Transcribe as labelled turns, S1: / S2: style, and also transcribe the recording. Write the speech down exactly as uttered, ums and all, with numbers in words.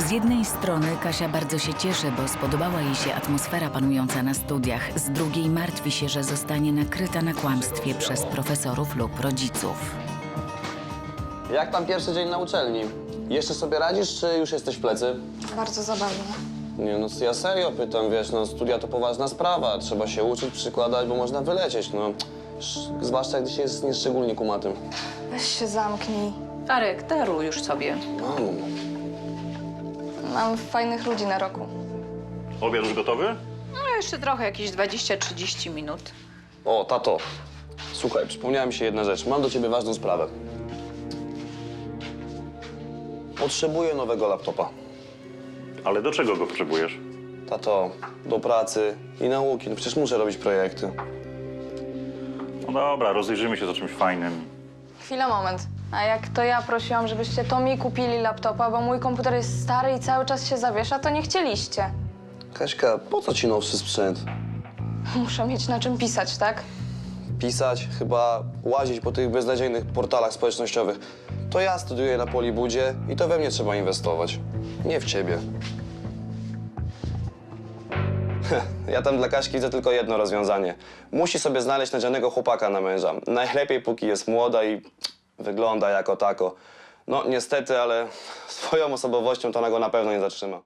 S1: Z jednej strony Kasia bardzo się cieszy, bo spodobała jej się atmosfera panująca na studiach. Z drugiej martwi się, że zostanie nakryta na kłamstwie przez profesorów lub rodziców.
S2: Jak tam pierwszy dzień na uczelni? Jeszcze sobie radzisz, czy już jesteś w plecy?
S3: Bardzo zabawne.
S2: Nie, no ja serio pytam, wiesz, no studia to poważna sprawa. Trzeba się uczyć, przykładać, bo można wylecieć, no. Sz- Zwłaszcza, gdy się jest nieszczególnie kumatym.
S3: Weź się zamknij.
S4: Arek, daruj już sobie.
S2: Mamo.
S3: Mam fajnych ludzi na roku.
S5: Obiad już gotowy?
S4: No jeszcze trochę, jakieś dwadzieścia trzydzieści minut.
S2: O, tato. Słuchaj, przypomniała mi się jedna rzecz. Mam do ciebie ważną sprawę. Potrzebuję nowego laptopa.
S5: Ale do czego go potrzebujesz?
S2: Tato, do pracy i nauki. No przecież muszę robić projekty.
S5: No dobra, rozejrzymy się za czymś fajnym.
S3: Chwila, moment. A jak to ja prosiłam, żebyście to mi kupili laptopa, bo mój komputer jest stary i cały czas się zawiesza, to nie chcieliście.
S2: Kaśka, po co ci nowszy sprzęt?
S3: Muszę mieć na czym pisać, tak?
S2: Pisać, chyba łazić po tych beznadziejnych portalach społecznościowych. To ja studiuję na Polibudzie i to we mnie trzeba inwestować. Nie w ciebie. Ja tam dla Kaśki widzę tylko jedno rozwiązanie. Musi sobie znaleźć nadzianego chłopaka na męża. Najlepiej, póki jest młoda i wygląda jako tako. No niestety, ale swoją osobowością to ona go na pewno nie zatrzyma.